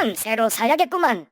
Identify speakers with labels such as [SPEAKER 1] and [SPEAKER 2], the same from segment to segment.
[SPEAKER 1] 새로 사야겠구만.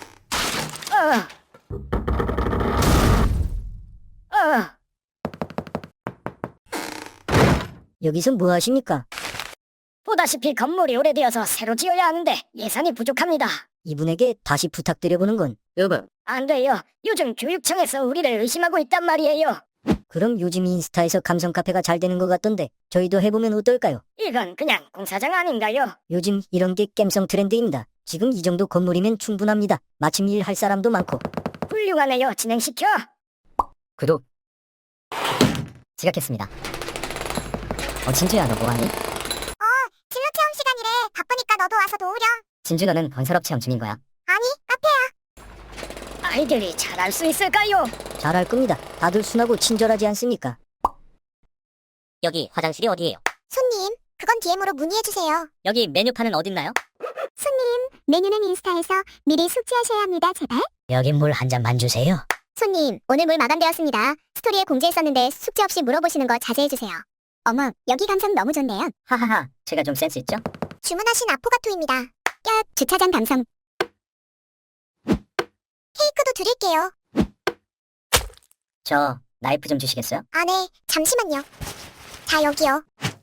[SPEAKER 2] 여기서 뭐 하십니까?
[SPEAKER 1] 보다시피 건물이 오래되어서 새로 지어야 하는데 예산이 부족합니다.
[SPEAKER 2] 이분에게 다시 부탁드려보는 건.
[SPEAKER 3] 여보,
[SPEAKER 1] 안 돼요. 요즘 교육청에서 우리를 의심하고 있단 말이에요.
[SPEAKER 2] 그럼 요즘 인스타에서 감성 카페가 잘 되는 것 같던데 저희도 해보면 어떨까요?
[SPEAKER 1] 이건 그냥 공사장 아닌가요?
[SPEAKER 2] 요즘 이런 게 깸성 트렌드입니다. 지금 이 정도 건물이면 충분합니다. 마침 일할 사람도 많고.
[SPEAKER 1] 훌륭하네요. 진행시켜.
[SPEAKER 3] 구독. 지각했습니다. 진주야, 너 뭐하니?
[SPEAKER 4] 진로 체험 시간이래. 바쁘니까 너도 와서 도우렴.
[SPEAKER 3] 진주, 너는 건설업 체험 중인 거야?
[SPEAKER 4] 아니, 카페야.
[SPEAKER 1] 아이들이 잘할 수 있을까요?
[SPEAKER 2] 잘할 겁니다. 다들 순하고 친절하지 않습니까?
[SPEAKER 3] 여기 화장실이 어디예요?
[SPEAKER 4] 손님, 그건 DM으로 문의해주세요.
[SPEAKER 3] 여기 메뉴판은 어딨나요?
[SPEAKER 4] 손님, 메뉴는 인스타에서 미리 숙지하셔야 합니다, 제발.
[SPEAKER 2] 여기 물 한 잔만 주세요.
[SPEAKER 4] 손님, 오늘 물 마감되었습니다. 스토리에 공지했었는데 숙지 없이 물어보시는 거 자제해주세요. 어머, 여기 감성 너무 좋네요.
[SPEAKER 3] 하하하, 제가 좀 센스 있죠?
[SPEAKER 4] 주문하신 아포가토입니다. 야, 주차장 감성. 케이크도 드릴게요.
[SPEAKER 3] 저 나이프 좀 주시겠어요?
[SPEAKER 4] 아, 네. 잠시만요. 자, 여기요.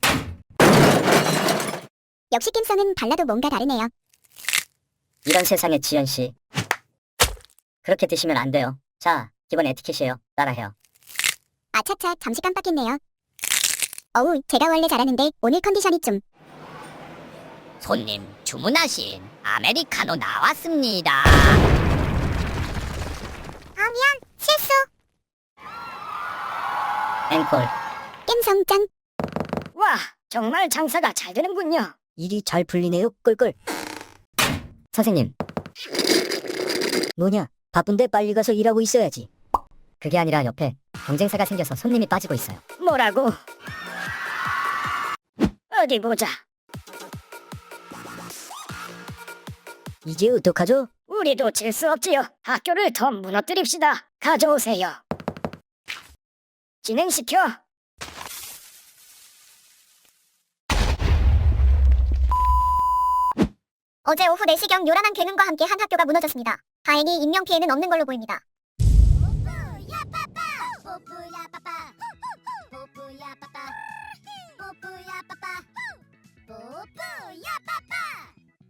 [SPEAKER 4] 역시 낌성은 발라도 뭔가 다르네요.
[SPEAKER 3] 이런 세상에 지연씨, 그렇게 드시면 안 돼요. 자, 기본 에티켓이에요. 따라해요.
[SPEAKER 4] 아차차, 잠시 깜빡했네요. 어우, 제가 원래 잘하는데 오늘 컨디션이 좀.
[SPEAKER 3] 손님, 주문하신 아메리카노 나왔습니다.
[SPEAKER 4] 아, 미안. 실수.
[SPEAKER 3] 앵콜.
[SPEAKER 4] 낌성 짱.
[SPEAKER 1] 와, 정말 장사가 잘 되는군요.
[SPEAKER 2] 일이 잘 풀리네요. 꿀꿀.
[SPEAKER 3] 선생님,
[SPEAKER 2] 뭐냐? 바쁜데 빨리 가서 일하고 있어야지.
[SPEAKER 3] 그게 아니라 옆에 경쟁사가 생겨서 손님이 빠지고 있어요.
[SPEAKER 1] 뭐라고? 어디 보자.
[SPEAKER 2] 이제 어떡하죠?
[SPEAKER 1] 우리도 질 수 없지요. 학교를 더 무너뜨립시다. 가져오세요. 진행시켜.
[SPEAKER 4] 어제 오후 4시경 요란한 굉음과 함께 한 학교가 무너졌습니다. 다행히 인명피해는 없는 걸로 보입니다.